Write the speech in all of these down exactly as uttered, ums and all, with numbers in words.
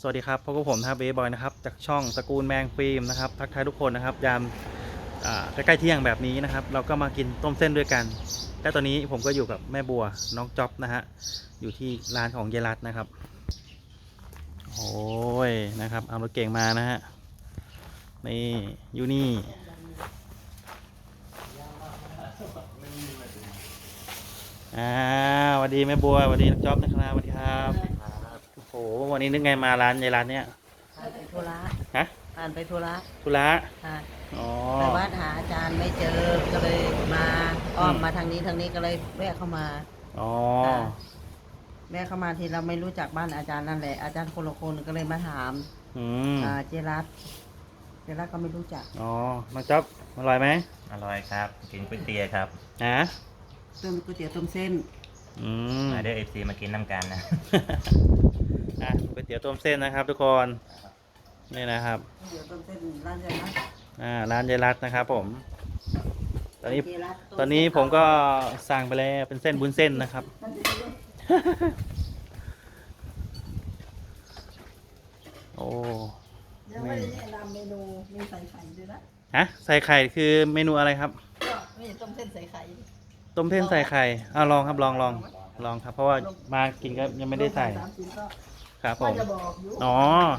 สวัสดีครับพบกับผมนะครับเบบอยนะครับจากช่องตระกูลแมงฟิล์มนะครับทักทายทุกคนนะครับยามใกล้ๆเที่ยงแบบนี้นะครับเราก็มากินต้มเส้นด้วยกันและตอนนี้ผมก็อยู่กับแม่บัวน้องจ๊อบนะฮะอยู่ที่ร้านของเยรัตนะครับโอ้ยนะครับเอารถเก่งมานะฮะนี่อยู่นี่อ่าสวัสดีแม่บัวสวัสดีน้องจ๊อบนะครับสวัสดีครับโอ้โหวันนี้นึกไงมาร้านเยรัตเนี่ยผ่านไปธุระฮะผ่านไปธุระธุระค่ะอ๋อแต่ว่าหาอาจารย์ไม่เจอก็เลยมาอ้อมมาทางนี้ทางนี้ก็เลยแวะเข้ามาอ๋อแวะเข้ามาที่เราไม่รู้จักบ้านอาจารย์นั่นแหละอาจารย์คนละคนก็เลยมาถามอืมอ่าเจรัตเจรัตก็ไม่รู้จักอ๋อน้องจ๊อบอร่อยไหมอร่อยครับกินก๋วยเตี๋ยวครับฮะต้มก๋วยเตี๋ยวต้มเส้นอืมมาเด้อเอฟซีมากินน้ำกันนะอ่ะก๋วยเตี๋ยวต้มเส้นนะครับทุกคนนี่นะครับก๋วยเตี๋ยวต้มเส้นร้านเจรัตอ่าร้านเยรัตนะครับผมตอนนี้ตอนนี้ผมก็สั่งไปแล้วเป็นเส้นบุญเส้นนะครับโอ้ยังไม่ได้แนะนำเมนูมีใส่ไข่ด้วยนะฮะใส่ไข่คือเมนูอะไรครับก็มีต้มเส้นใส่ไข่ต้มเส้นใส่ไข่อ่าลองครับลองลองลองครับเพราะว่ามากินก็ยังไม่ได้ใส่ครับผมอ๋อ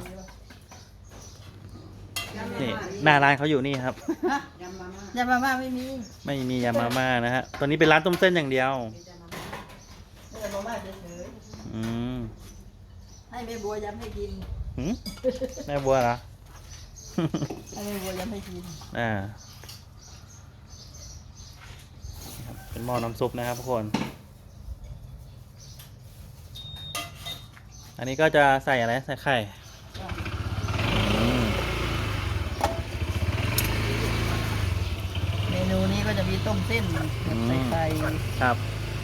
นี่หน้าร้านเขาอยู่นี่ครับยำมาม่ายำมาม่าไม่มีไม่มียำมาม่านะฮะตอนนี้เป็นร้านต้มเส้นอย่างเดียวยำมาม่าเฉยอืมให้แม่บัวยำให้กินหืมแม่บัวเหรอให้แม่บัวยำให้กินอ่าเป็นหม้อน้ำซุปนะครับทุกคนอันนี้ก็จะใส่อะไรใส่ไข่เมนูนี้ก็จะมีต้มเส้นใส่ไข่ครับ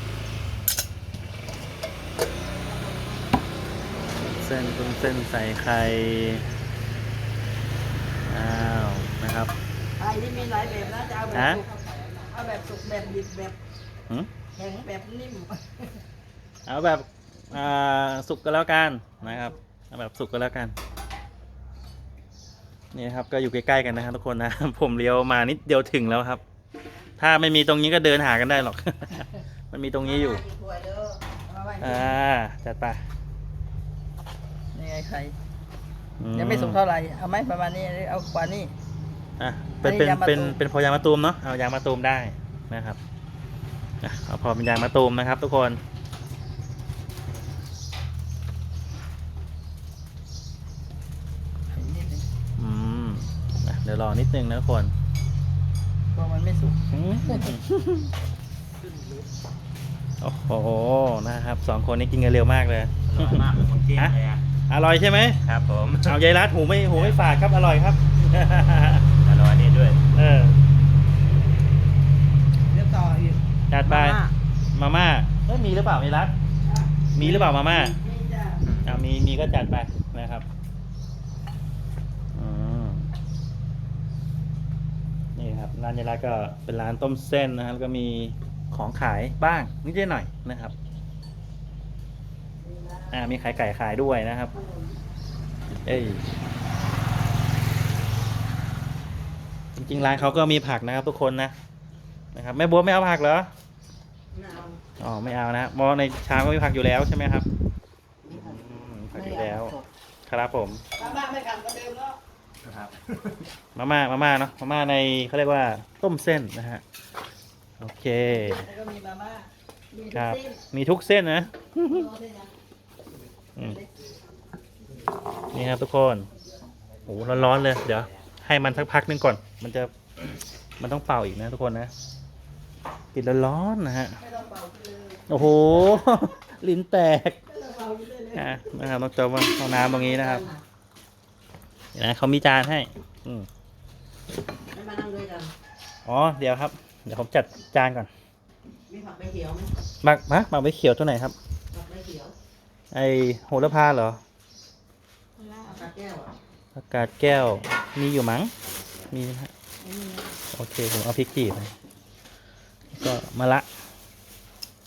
เส้นต้มเส้นใส่ไข่อ้าวนะครับไข่ที่มีหลายแบบนะจะเอาแบบสุกเอาแบบสุกแบบดิบแบบแข็งแบบนิ่มเอาแบบสุกก็แล้วกันนะครับเอาแบบสุกก็แล้วกันนี่ครับก็อยู่ใกล้ๆกันนะครับทุกคนนะผมเลี้ยวมานิดเดียวถึงแล้วครับถ้าไม่มีตรงนี้ก็เดินหากันได้หรอกมันมีตรงนี้อยู่อ่าจัดไปนี่ไงใครยังไม่สุกเท่าไหร่เอาไหมประมาณนี้เอากว่านี้อ่ะเป็นเป็นเป็นเป็นพอยางมะตูมเนาะเอายางมะตูมได้นะครับเอาพอเป็นยางมะตูมนะครับทุกคนอืมเดี๋ยวรอนิดนึงนะทุกคนเพราะมันไม่สุกโอ้โหนะครับสองคนนี้กินกันเร็วมากเลยอร่อยมากผมกินเลยอ่ะอร่อยใช่ไหมครับผมเอายายรัดหูไม่หูไม่ฝาดครับอร่อยครับอร่อยนี่ด้วยเออเดี๋ยวต่ออีกจัดไปมาม่าเอ้ยมีหรือเปล่ายายรัดมีหรือเปล่ามาม่าอ่ามีมีก็จัดไปนะครับนี่ครับร้านยายรัดก็เป็นร้านต้มเส้นนะครับแล้วก็มีของขายบ้างนิดหน่อยนะครับอ่ามีไข่ไก่ขายด้วยนะครับเอ้ยจริงๆร้านเขาก็มีผักนะครับทุกคนนะนะครับแม่บัวไม่เอาผักเหรออ๋อไม่เอานะมอในชามก็มีผักอยู่แล้วใช่ไหมครับผักอยู่แล้วครับผมมาม่าไม่กันก็เดิมแล้วครับมาม่ามาม่าเนาะมาม่าในเขาเรียกว่าต้มเส้นนะฮะโอเคแล้วก็มีมาม่าครับมีทุกเส้นนะนี่ครับทุกคนโอ้ร้อนๆเลยเดี๋ยวให้มันสักพักนึงก่อนมันจะมันต้องเป่าอีกนะทุกคนนะปิดร้อนๆนะฮะโอ้โหลิ้นแตกนะครับต้องจมห้องน้ำตรงนี้นะครับเห็นไหมเขามีจานให้อืมมานั่งด้วยกันอ๋อเดี๋ยวครับเดี๋ยวผมจัดจานก่อนมีผักใบเขียวไหมหมักมะหมักใบเขียวตัวไหนครับผักใบเขียวไอโหระพาเหรออากาศแก้วอากาศแก้วมีอยู่มั้งมีนะฮะโอเคผมเอาพริกจีบไปก็มะระ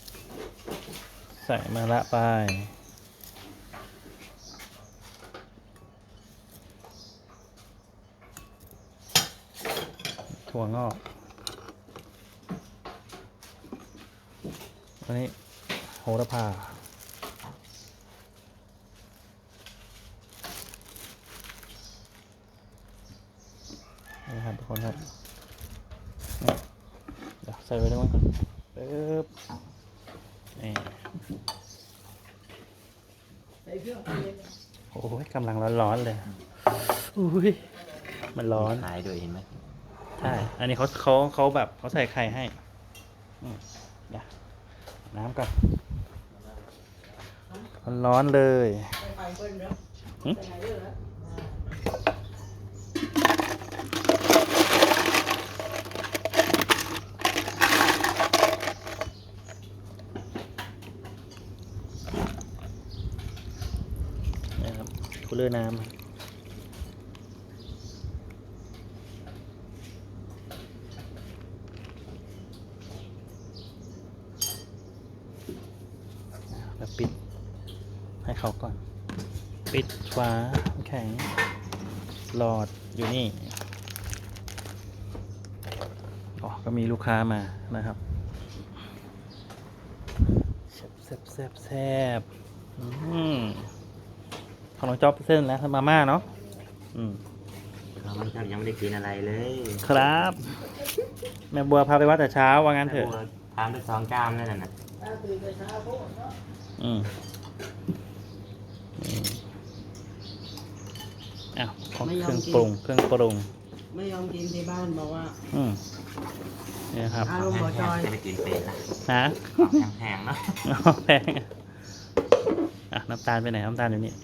ใส่มะระไปถั่วงอกอันนี้โหระพานี่ครับทุกคนครับนี่เดี๋ยวใส่ไว้ได้มั้งปึ๊บนี่ใส่เครื่องเทศโอ้ยกำลังร้อนๆเลยอุ้ยมันร้อนขายด้วยเห็นไหมใช่ อันนี้เขาเขาเขาแบบเขาใส่ไข่ให้อืมเดี๋ยวน้ำก่อนร้อนๆเลยใส่ไข่เปิ้ลเนาะหึใส่ไข่เยอะแล้วนี่ครับคูลเลอร์น้ำแล้วปิดให้เขาก่อน ปิดฝาแข็งหลอดอยู่นี่อ๋อก็มีลูกค้ามานะครับแซบแซบแซบแซบอืมของน้องจ๊อบเส้นแล้วทำมาม่าเนาะอืมเราไม่ครับยังไม่ได้กินอะไรเลยครับ แม่บัวพาไปวัดแต่เช้าว่างั้นเถอะทานไปสองจานนั่นน่ะถ้าตื่นแต่เช้าโคตรเนาะอืมอืมอ้าวของเครื่องปรุงเครื่องปรุงไม่ยอมกินที่บ้านบอกว่าอืมนี่ครับอารมณ์บ่จอยจะไปกินเป็ดนะฮะแพงๆเนาะอ๋อแพงอ่ะอ่ะน้ำตาลไปไหนน้ำตาลอยู่นี่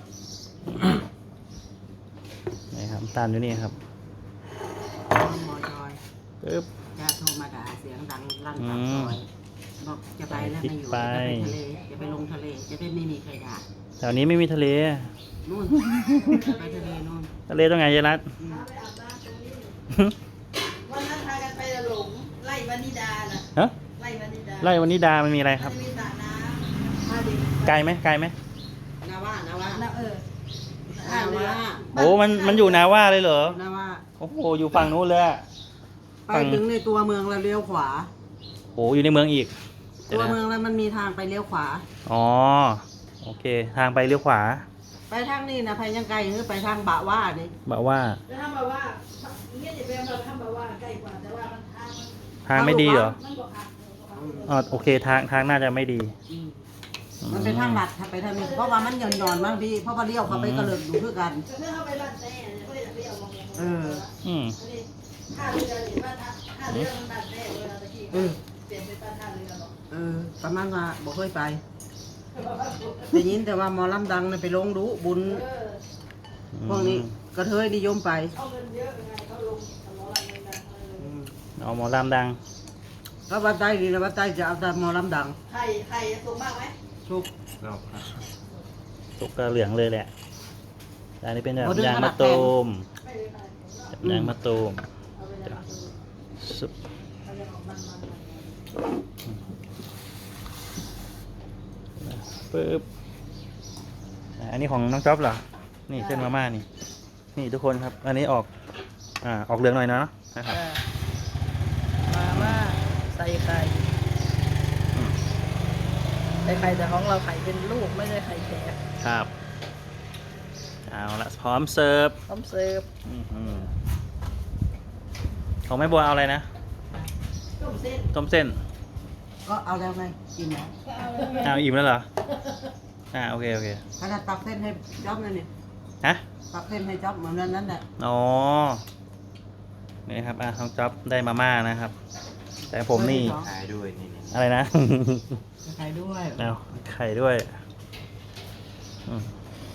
นี่ครับน้ำตาลอยู่นี่ครับอารมณ์บ่จอยปึ๊บจะโทรมาด่าเสียงดังลั่นปากซอยบอกจะไปแล้วไม่อยู่ไปจะไปทะเลจะไปลงทะเลจะได้ไม่มีใครด่าแถวนี้ไม่มีทะเลนู่นไปทะเลนู่นทะเลตรงไหนยายรัตอืมวันนั้นพากันไปหลงไล่วานิดาน่ะฮะไล่วานิดาไร่วันนี้ดามันมีอะไรครับมันมีสระน้ำพาเด็กไกลไหมไกลไหมนาว่านาว่านาเออนาว่าโอ้มันมันอยู่นาว่าเลยเหรอนาว่าโอ้โหอยู่ฝั่งนู้นเลยอะไปถึงในตัวเมืองแล้วเลี้ยวขวาโอ้อยู่ในเมืองอีกเดี๋ยตัวนะเมืองแล้วมันมีทางไปเลี้ยวขวาอ๋อโอเค ทางไปเลี้ยวขวาไปทางนี้นะไปยังไกลหรือไปทางบะว่านี่บอกว่าแล้วทางบะว่าเงี้ยจะเป็นแบบทางบะว่าใกล้กว่าแต่ว่ามันทางมันทางไม่ดีเหรอมันบอกอ่ะอ๋อโอเคทางทางน่าจะไม่ดีอืมมันเป็นทางลัดถ้าไปทางนี้เพราะว่ามันหย่อนหย่อนๆบางทีเพราะว่าเลี้ยวเข้าไปกระเลิกอยู่คือกันเอออืมท่าเรือเห็นว่าท่าท่าเรือมันดันแน่เวลาตะกี้เปลี่ยนเป็นท่าเรือหรอเออประมาณว่าบอกเคยไปได้ยินแต่ว่าหมอลำดังน่ะไปลงดูบุญพวกนี้กระเทยนิยมไปเอาหมอลำดังก็วัดใต้ดีนะวัดใต้จะเอาแต่หมอลำดังไข่ไข่สูงมากไหมทุกก็สุกกระเหลืองเลยแหละแต่อันนี้เป็นแบบโอ้ดึงยางขนามะดตูมไม่ได้ไข่แบบยางมะตูมเอาไปแล้วสุกเอาไปออกมันมันมันปึ๊บอ่ะอันนี้ของน้องจ๊อบเหรอ นี่เส้นมาม่านี่ นี่ทุกคนครับ อันนี้ออก อ่า ออกเหลืองหน่อยนะนะครับมาม่าใส่ไข่อืมใส่ไข่แต่ของเราไข่เป็นลูกไม่ได้ไข่แขกครับ เอาละพร้อมเสิร์ฟพร้อมเสิร์ฟอื้อหือของแม่บัวเอาอะไรนะต้มเส้นต้มเส้นก็เอาแล้วไงกินแล้วอ้าวอิ่มแล้วเหรอ อ่าโอเคโอเคขนาดตักเส้นให้จ๊อบนั่นนี่ฮะตักเส้นให้จ๊อบเหมือนนั้นนั่นแหละอ๋อ นี่ครับ อ่ะน้องจ๊อบได้มาม่านะครับ แต่ผมนี่ขายด้วยนี่นี่อะไรนะใครด้วยเอาไข่ด้วยอืม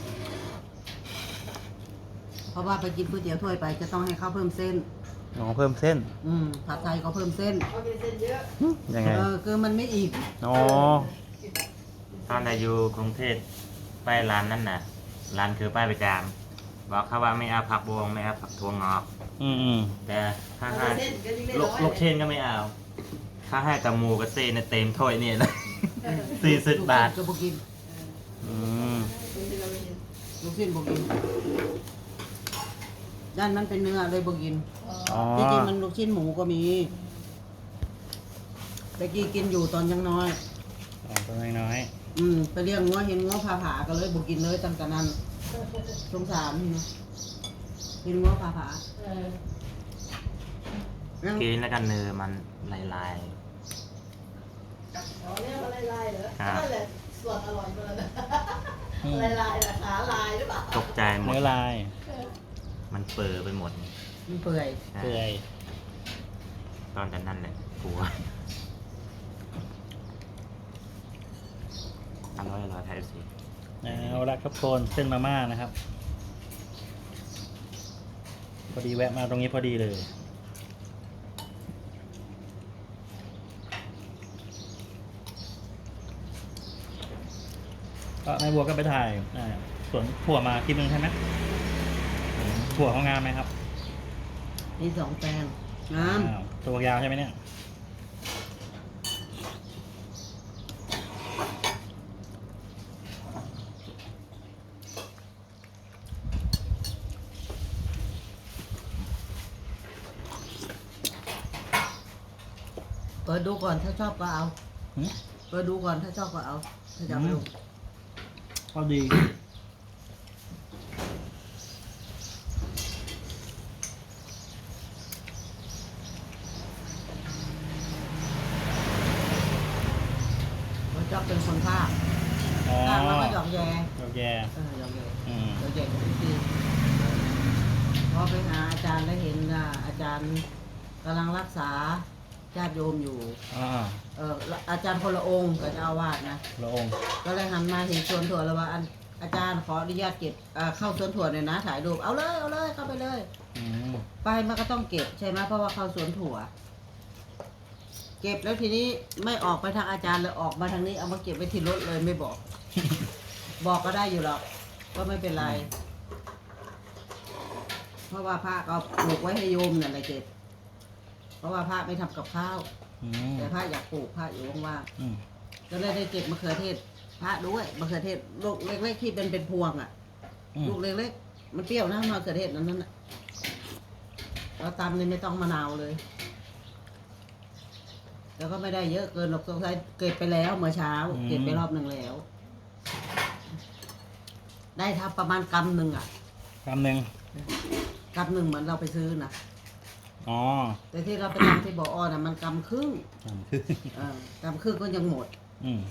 เพราะว่าไปกินก๋วยเตี๋ยวถ้วยไปจะต้องให้เขาเพิ่มเส้นอ๋อเพิ่มเส้นอืมผัดไทยก็เพิ่มเส้นเอาเป็นเส้นเยอะยังไงเออคือมันไม่อิ่มอ๋อตอนเราอยู่กรุงเทพไปร้านนั่นน่ะร้านคือป้ายประจามบอกเขาว่าไม่เอาผักบวงไม่เอาผักถั่วงอกอืมอืมแต่ถ้าเอาให้เป็นเส้นก็ยิ่งได้ลูน้กอยลูกเชนก็ไม่เอา ถ้าให้กับหมูกับเซนเต็มถ้วยนี่เลย สี่สิบบาทก็บกินอืมเป็นเส้นเราไม่เห็นลูกชิ้นบกินด้านมันเป็นเนื้อเลยบ่กินอ๋อจริงๆมันลูกชิ้นหมูก็มีแต่กี้กินอยู่ตอนยังน้อยอ๋อตัวน้อยอืมไปเลี้ยงงัวเห็นงัวผาผาก็เลยบ่กินเลยตั้งแต่นั้นสงสารนี่นะเห็นงัวผาผาเออยังกินแล้วกันเนื้อมันลายอ๋อเนี่ยมันลายๆเหรอครับนั่นแหละส่วนอร่อยมันนะๆอืมลายๆนะขาลายหรือเปล่าๆตกใจหมดเนื้อลายมันเปิดไปหมดมันเปื่อยใช่เปื่อยตอนนั้นแหละกลัวอร่อยอร่อยไทยสิเอาละครับคนเส้นมาม่านะครับ พอดีแวะมาตรงนี้พอดีเลย ก็แม่บัวก็ไปถ่ายอ่าสวนถั่วมาคลิปนึงใช่ไหมถั่วเขางามไหมครับมีสองแปลงงามอ้าวตัวยาวใช่ไหมเนี่ยเปิดดูก่อนถ้าชอบก็เอาหืมเปิดดูก่อนถ้าชอบก็เอาถ้าจะเอาไปลงก็ดีเพราะชอบเป็นคนภาคอ๋อภาคแล้วก็หยอกแยดอกแย่เออหยอกแยอืมหยอกแยกับพี่พอไปหาอาจารย์แล้วเห็นอ่ะอาจารย์กำลังรักษาญาติโยมอยู่อ่าเอออาจารย์คนละองค์กับเจ้าอาวาสนะพระองค์ก็เลยหันมาเห็นสวนถั่วแล้วว่าอันอาจารย์ขออนุญาตเก็บอ่าเข้าสวนถั่วหน่อยนะถ่ายรูปเอาเลยเอาเลยเข้าไปเลยอืมไปมันก็ต้องเก็บใช่ไหมเพราะว่าเข้าสวนถั่ว เก็บแล้วทีนี้ไม่ออกไปทางอาจารย์เลยออกมาทางนี้เอามาเก็บไว้ที่รถเลยไม่บอก บอกก็ได้อยู่หรอกก็ไม่เป็นไร เพราะว่าพระก็ปลูกไว้ให้โยมนั่นแหละเก็บ เพราะว่าพระไม่ทำกับข้าวอืมแต่พระอยากปลูกพระอยู่ว่างอืมๆก็เลยได้เก็บมะเขือเทศ พระด้วยมะเขือเทศลูกเล็กๆที่เป็นเป็นพวงอ่ะอืมลูกเล็กๆมันเปรี้ยวนะมะเขือเทศนั้นน่ะเราตำนี่ไม่ต้องมะนาวเลย แล้วก็ไม่ได้เยอะเกินหรอกสงสัยเก็บไปแล้วเมื่อเช้า เก็บไปรอบหนึ่งแล้ว ได้ทับประมาณกำหนึ่งอ่ะคำหนึ่งกำหนึ่งเหมือนเราไปซื้อนะอ๋อแต่ที่เราไปทำที่บ่อน่ะมันกำครึ่งคำคือเออกำครึ่งก็ยังหมดอืม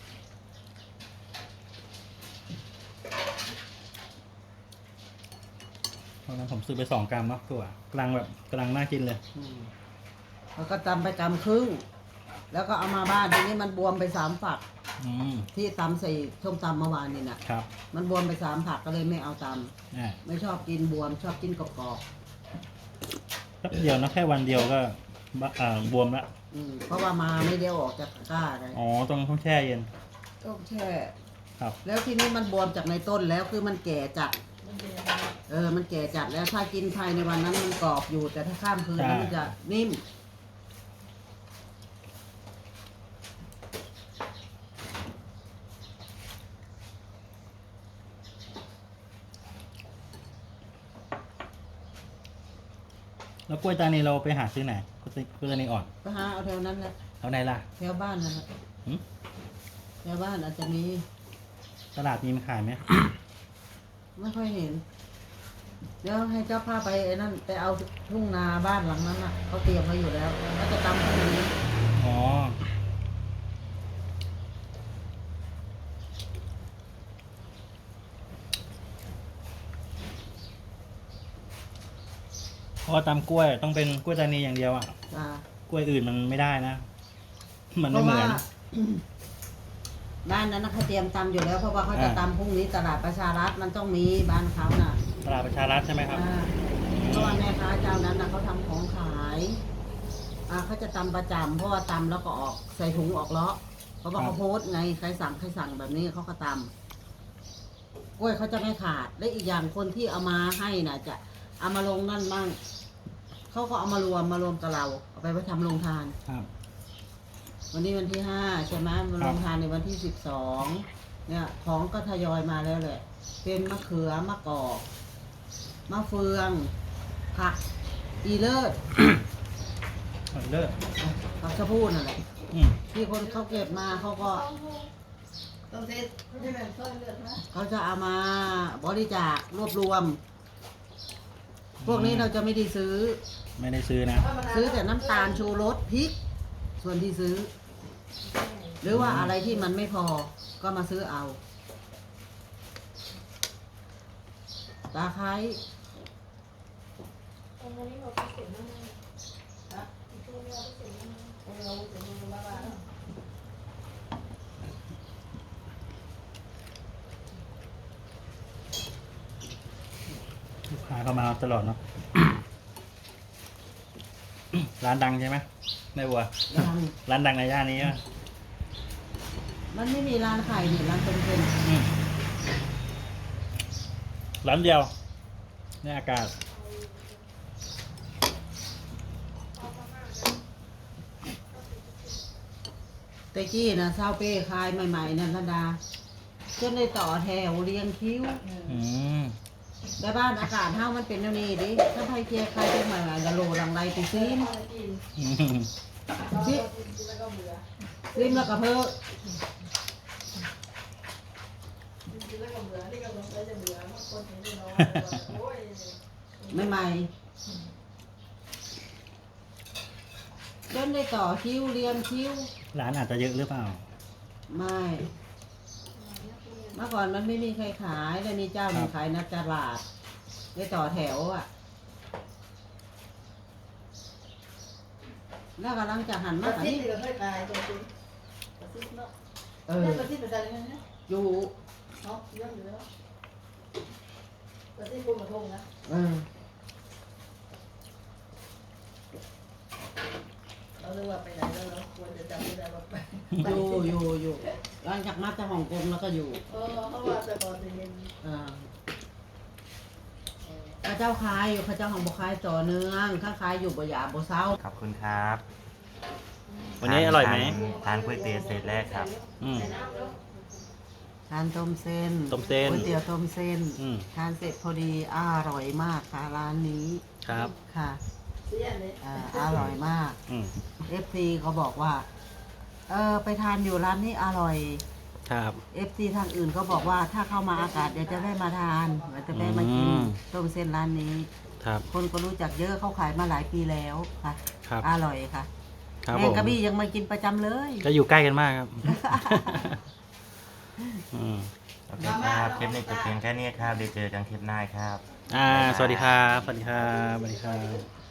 เพราะฉะนั้นผมซื้อไปสองกรัมเนาะตัวกำลังแบบกำลังน่ากินเลยอืมแล้วก็ตำไปกำครึ่ง แล้วก็เอามาบ้านทีนี้มันบวมไปสามฝักอืมที่ตำใส่ส้มตำเมื่อวานนี่นะครับ มันบวมไปสามผักก็เลยไม่เอาตอ่าำไม่ชอบกินบวม ชอบกินกรอบแป๊บเดียวนะแค่วันเดียวก็บะอ่าบวมละๆอืมเพราะว่ามาไม่เดียวออกจากตะกร้าเลยอ๋อต้องต้องแช่เย็นต้องแช่ครับแล้วทีนี้มันบวมจากในต้นแล้วคือมันแก่จัด เออ มันแก่จัดแล้วถ้ากินภายในวันนั้นมันกรอบอยู่ แต่ถ้าข้ามคืนแล้วมันจะนิ่มแล้วกล้วยตานีเราไปหาซื้อไหนกล้วยกล้วยตานีอ่อนก็หาเอาแถวนั้นแหละเอาไหนล่ะแถวบ้านนั่นแหละหืมแถวบ้านอาจจะมีตลาดมีมาขายไหมไม่ค่อยเห็น เดี๋ยวให้เจ้าพาไปไอ้นั่นไปเอาทุ่งนาบ้านหลังนั้นน่ะเขาเตรียมไว้อยู่แล้วแล้วจะตำพรุ่งนี้อ๋อเพราะว่าตำกล้วยต้องเป็นกล้วยตานีอย่างเดียวอ่ะจ้ากล้วยอื่นมันไม่ได้นะ มันเพไม่ราะเหมืว่าอนบ้านนั้นนะเขาเตรียมตำอยู่แล้ว เพราะว่าเขาจะอ่าตำพรุ่งนี้ตลาดประชารัฐมันต้องมีบ้านเขาน่ะตลาดประชารัฐใช่ไหมครับอ่าเพราะว่าแม่ค้าเจ้านั้นนะเขาทำของขายอ่าเขาจะตำประจำเพราะว่าตำแล้วก็ออกใส่ถุงออกเลาะเพราะว่าครับเขาโพสต์ไงใครสั่งใครสั่งแบบนี้เขาก็ตำกล้วยเขาจะไม่ขาดและอีกอย่างคนที่เอามาให้น่ะ จะเอามาลงนั่นบ้างเขาก็เอามารวมมารวมกับเราเอาไปไว้ทำโรงทานครับวันนี้วันที่ห้าใช่ไหมมาลงทานในวันที่สิบสองเนี่ย ของก็ทยอยมาแล้วแหละ เป็นมะเขือมะกอกมะเฟืองผักอีเลิศเลิกผักชะพูนั่นแหละอืมที่คนเขาเก็บมาเขาก็ต้องเซ็ตไม่ได้แบบต้นเลือดนะเขาจะเอามาบริจาครวบรวม พวกนี้เราจะไม่ได้ซื้อไม่ได้ซื้อนะซื้อแต่น้ำตาลชูรสพริก ส่วนที่ซื้อ หรือว่าอะไรที่มันไม่พอก็มาซื้อเอาตาไคร้ลูกค้าเข้ามาตลอดเนาะ ร้านดังใช่ไหมแม่บัวดังร้านดังในย่านนี้อะมันไม่มีร้านขายนี่ร้านเป็นเป็นอืมร้านเดียวในอากาศแต่กี้นะเศร้าเป้ขายใหม่ๆนันทดาจนได้ต่อแถวเรียงคิ้วอืมแต่บ้านอากาศเฮามันเป็นแนวนี้ดิถ้าไผเกียร์ใครเป็นใหม่ๆละโลหลังไรไปซิมอืมซิซิมแล้วก็เพิ่มใหม่ๆจนได้ต่อคิ้วเรียงคิ้วร้านอาจจะเยอะหรือเปล่าไม่ เมื่อก่อนมันไม่มีใครขายแล้วนี่เจ้าหนึ่งขายนักตลาดได้ต่อแถวอ่ะ แล้วกำลังจะหันปมาระอันสิทนี้ธิ์ก็เคยตายตัวจริงประสิทธิ์เนาะเอเอออประสิทธิ์เป็นอะไรกันเนี่ยอยู่เนาะเยอะอยู่แล้วประสิทธิ์พูดมาทงนะเออเราเรียกว่าไปไหนแล้วเราควรจะจำไม่ได้ว่าไปอยู่อยู่อยู่หลังจากมาจากฮ่องกงแล้วก็อยู่เออเขาว่าแต่ก่อนจะเย็นอ่าข้าเจ้าขายอยู่ข้าเจ้าของบุคายต่อเนื่องข้าขายอยู่บ่หยาบ่เศร้าขอบคุณครับวันนี้อร่อยไหมทานทานก๋วยเตี๋ยวเสร็จแล้วครับอืมทานต้มเส้นต้มเส้นก๋วยเตี๋ยวต้มเส้นอืมทานเสร็จพอดีอร่อยมากค่ะร้านนี้ครับค่ะเสียเลยอ่าอร่อยมากอืมเอฟซีเขาบอกว่า เออไปทานอยู่ร้านนี้อร่อยครับเอฟซีทางอื่นเขาบอกว่าถ้าเข้ามาอากาศเดี๋ยวจะได้มาทานเดี๋ยวจะได้มากินอืมต้มเส้นร้านนี้ครับคนก็รู้จักเยอะเขาขายมาหลายปีแล้วค่ะครับอร่อยค่ะครับแมผงมกะบี้ยังมากินประจำเลยก็อยู่ใกล้กันมากครับ อืมโอเคครับคลิปนี้จบเพียงแค่นี้ครับเดี๋ยวเจอกันคลิปหน้าครับอ่า สวัสดีครับ สวัสดีครับ สวัสดีครับ